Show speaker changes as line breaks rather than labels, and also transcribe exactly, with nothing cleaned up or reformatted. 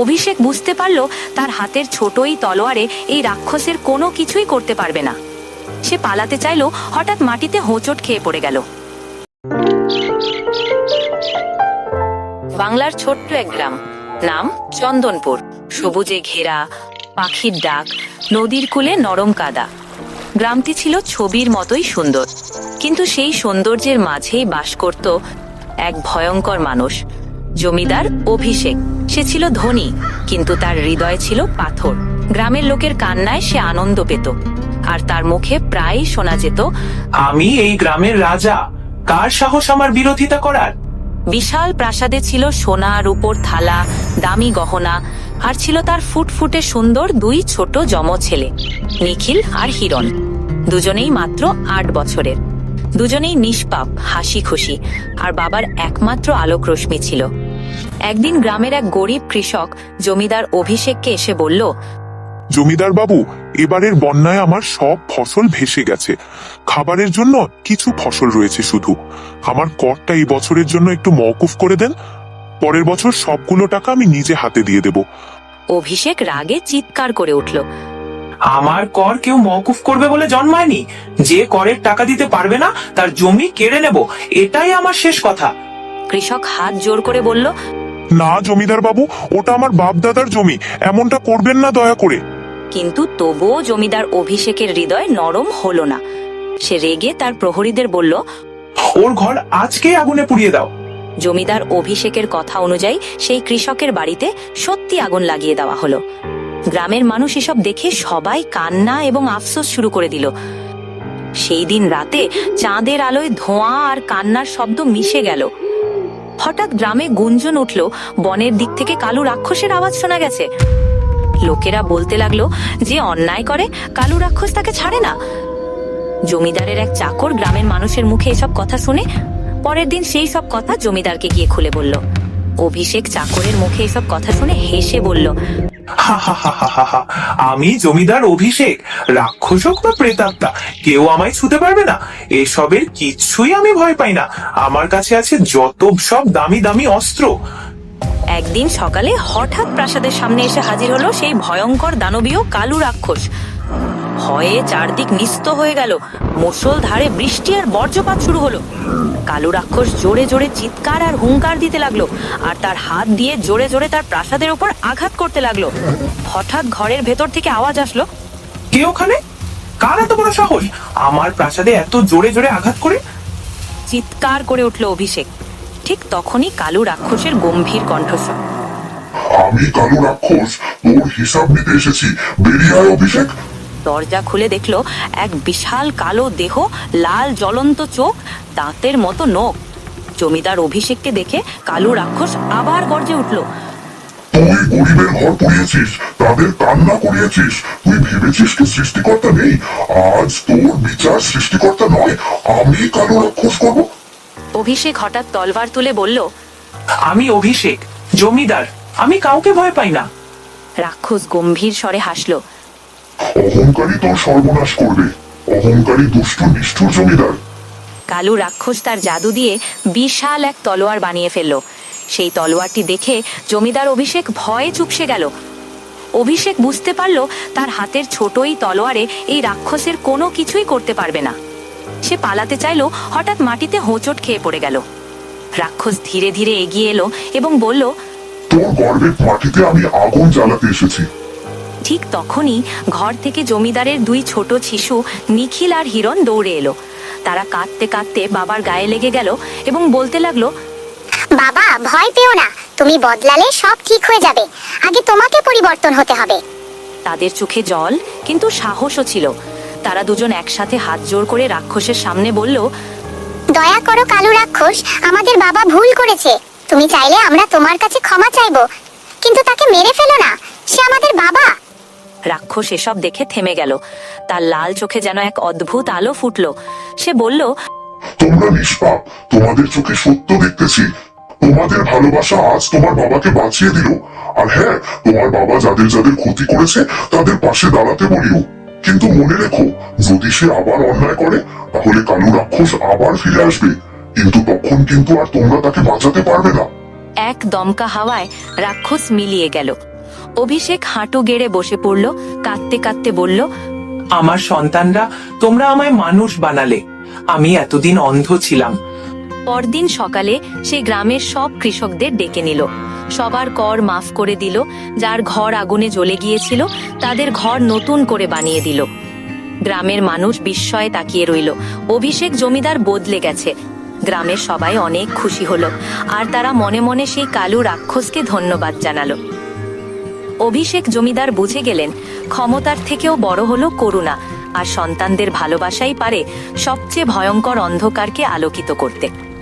অভিষেক বুঝতে পারল তার হাতের ছোটই তলোয়ারে এই রাক্ষসের কোনো কিছুই করতে পারবে না। সে পালাতে চাইল, হঠাৎ মাটিতে হোঁচট খেয়ে পড়ে গেল। বাংলার ছোট্ট এক গ্রাম, নাম চন্দনপুর। সবুজে ঘেরা, পাখির ডাক, নদীর কূলে নরম কাদা। গ্রামটি ছিল ছবির মতোই সুন্দর, কিন্তু সেই সৌন্দর্যের মাঝেই বাস করত এক ভয়ঙ্কর মানুষ, জমিদার অভিষেক। সে ছিল ধনী, কিন্তু তার হৃদয় ছিল পাথর। গ্রামের লোকের কান্নায় সে আনন্দ পেত, আর তার মুখে প্রায়ই শোনা যেত,
আমি এই গ্রামের রাজা, কার সাহস আমার বিরোধিতা করার।
বিশাল প্রাসাদে ছিল সোনা রূপোর থালা, দামি গহনা, আর ছিল তার ফুটফুটে সুন্দর দুই ছোট যমজ ছেলে, নিখিল আর হিরণ। দুজনেই মাত্র আট বছরের, দুজনেই নিষ্পাপ, হাসি খুশি, আর বাবার একমাত্র আলোক রশ্মি ছিল। একদিন গ্রামের এক গরিব কৃষক জমিদার অভিষেককে এসে বলল,
জমিদার বাবু, এবারের বন্যায় আমার সব ফসল ভেসে গেছে। খাবারের জন্য কিছু ফসল রয়েছে শুধু। আমার করটা এই বছরের জন্য একটু মওকুফ করে দেন। পরের বছর সবগুলো টাকা আমি নিজে হাতে দিয়ে দেব।
অভিষেক রাগে চিৎকার করে উঠল,
আমার কর কেউ মওকুফ করবে বলে জন্মায়নি। যে করের টাকা দিতে পারবে না তার জমি কেড়ে নেব, এটাই আমার শেষ কথা।
কৃষক হাত জোর করে বলল,
না জমিদার বাবু, ওটা আমার বাপ দাদার জমি, এমনটা করবেন না দয়া করে।
কিন্তু তবুও জমিদার অভিষেকের হৃদয় নরম হলো না। সে রেগে তার প্রহরীদের বলল,
ওর ঘর আজকে আগুনে পুড়িয়ে দাও।
জমিদার অভিষেকের কথা অনুযায়ী সেই কৃষকের বাড়িতে সত্যি আগুন লাগিয়ে দেওয়া হলো। গ্রামের মানুষ এসব দেখে সবাই কান্না এবং আফসোস শুরু করে দিল। সেই দিন রাতে চাঁদের আলোয় ধোঁয়া আর কান্নার শব্দ মিশে গেল। হঠাৎ গ্রামে গুঞ্জন উঠল, বনের দিক থেকে কালু রাক্ষসের আওয়াজ শোনা গেছে। লোকেরা বলতে লাগলো, যে অন্যায় করে কালু রাক্ষস তাকে ছাড়ে না। জমিদারের এক চাকর গ্রামের মানুষের মুখে এসব কথা শুনে পরের দিন সেই সব কথা জমিদারকে গিয়ে খুলে বলল। অভিষেক চাকরের মুখে এসব কথা শুনে হেসে বলল,
হা হা হা হা হা হা, আমি জমিদার অভিষেক, রাক্ষস হোক বা প্রেতাত্মা, কেউ আমায় ছুতে পারবে না। এসবের কিচ্ছুই আমি ভয় পাই না। আমার কাছে আছে যত সব দামি দামি অস্ত্র।
একদিন সকালে হঠাৎ প্রাসাদের সামনে এসে হাজির হলো সেই ভয়ঙ্কর দানবীয় কালু রাক্ষস। ভয়ে চারদিক নিস্ত হয়ে গেল। মুষল ধারে বৃষ্টি আর বজ্রপাত শুরু হলো। কালু রাক্ষস জোরে জোরে চিৎকার আর হুঙ্কার দিতে লাগলো, আর তার হাত দিয়ে জোরে জোরে তার প্রাসাদের উপর আঘাত করতে লাগলো। হঠাৎ ঘরের ভেতর থেকে আওয়াজ আসলো,
কে ওখানে? কার এত বড় সাহস আমার প্রাসাদে এত জোরে জোরে আঘাত করে?
চিৎকার করে উঠল অভিষেক। ঠিক তখনই কালু রাক্ষসের গম্ভীর কণ্ঠস্বর,
আমি কালু রাক্ষস, তোর হিসাব নিতে এসেছি, বেরিয়ে আয় অভিষেক।
দরজা খুলে দেখলো এক বিশাল কালো দেহ, লাল জ্বলন্ত চোখ, দাঁতের মতো নখ। জমিদার অভিষেককে দেখে কালু রাক্ষস আবার গর্জে উঠল,
তুই গরিবের ঘর পুড়িয়েছিস, তাদের কান্না করিয়েছিস। তুই ভেবেছিস কি সৃষ্টিকর্তা নেই? আজ তোর বিচার সৃষ্টিকর্তা নয়, আমি কালু রাক্ষস করব।
অভিষেক হঠাৎ তলবার তুলে বলল,
আমি অভিষেক, জমিদার, আমি কাউকে ভয় পাই না।
রাক্ষস গম্ভীর স্বরে হাসল,
অহংকারী তোর সর্বনাশ করবে, অহংকারী দুষ্ট নিষ্ঠুর জমিদার।
কালু রাক্ষস তার জাদু দিয়ে বিশাল এক তলোয়ার বানিয়ে ফেলল। সেই তলোয়ারটি দেখে জমিদার অভিষেক ভয়ে চুপসে গেল। অভিষেক বুঝতে পারল তার হাতের ছোটই তলোয়ারে এই রাক্ষসের কোনো কিছুই করতে পারবে না। সে পালাতে চাইল, হঠাৎ মাটিতে হোঁচট খেয়ে পড়ে গেল। রাক্ষস ধীরে ধীরে এগিয়ে এলো এবং বলল,
তোর গর্বের মাটিতে আমি আগুন জ্বালাতে এসেছি।
ঠিক তখনই ঘর থেকে জমিদারের দুই ছোট শিশু নিখিল আর হিরণ দৌড়ে এলো। তারা কাঁদতে কাঁদতে বাবার গায়ে লেগে গেল এবং বলতে লাগলো,
বাবা, ভয় পেও না, তুমি বদলালে সব ঠিক হয়ে যাবে। আগে তোমাকে পরিবর্তন হতে হবে।
তাদের চোখে জল, কিন্তু সাহসও ছিল। তারা দুজন একসাথে হাত জোড় করে রাক্ষসের সামনে বলল,
দয়া করো কালু রাক্ষস, আমাদের বাবা ভুল করেছে। তুমি চাইলে আমরা তোমার কাছে ক্ষমা চাইবো, কিন্তু তাকে মেরে ফেলো না, সে আমাদের বাবা।
রাক্ষস এসব দেখে থেমে গেল। তার লাল চোখে যেন এক অদ্ভুত আলো ফুটলো। সে বলল,
তোমরা নিষ্পাপ, তোমাদের চোখে সত্য দেখতেছি। তোমাদের ভালোবাসা আজ তোমার বাবাকে বাঁচিয়ে দিল। আর হ্যাঁ, তোমার বাবা যাদের যাদের ক্ষতি করেছে তাদের পাশে দাঁড়াতে বলিও। কিন্তু মনে রেখো, যদি সে আবার অন্যায় করে তাহলে কালু রাক্ষস আবার ফিরে আসবে, কিন্তু তখন কিন্তু আর তোমরা তাকে বাঁচাতে পারবে না।
এক দমকা হাওয়ায় রাক্ষস মিলিয়ে গেল। অভিষেক হাঁটু গেড়ে বসে পড়ল, কাঁদতে কাঁদতে বলল,
আমার সন্তানরা, তোমরা আমায় মানুষ বানালে। আমি এতদিন অন্ধ ছিলাম।
পরদিন সকালে সে গ্রামের সব কৃষকদের ডেকে নিল, সবার কর মাফ করে দিল, যার ঘর আগুনে জ্বলে গিয়েছিল তাদের ঘর নতুন করে বানিয়ে দিল। গ্রামের মানুষ বিস্ময়ে তাকিয়ে রইল, অভিষেক জমিদার বদলে গেছে। গ্রামের সবাই অনেক খুশি হলো, আর তারা মনে মনে সেই কালু রাক্ষসকে ধন্যবাদ জানালো। অভিষেক জমিদার বুঝে গেলেন, ক্ষমতার থেকেও বড় হলো করুণা, আর সন্তানদের ভালোবাসাই পারে সবচেয়ে ভয়ঙ্কর অন্ধকারকে আলোকিত করতে।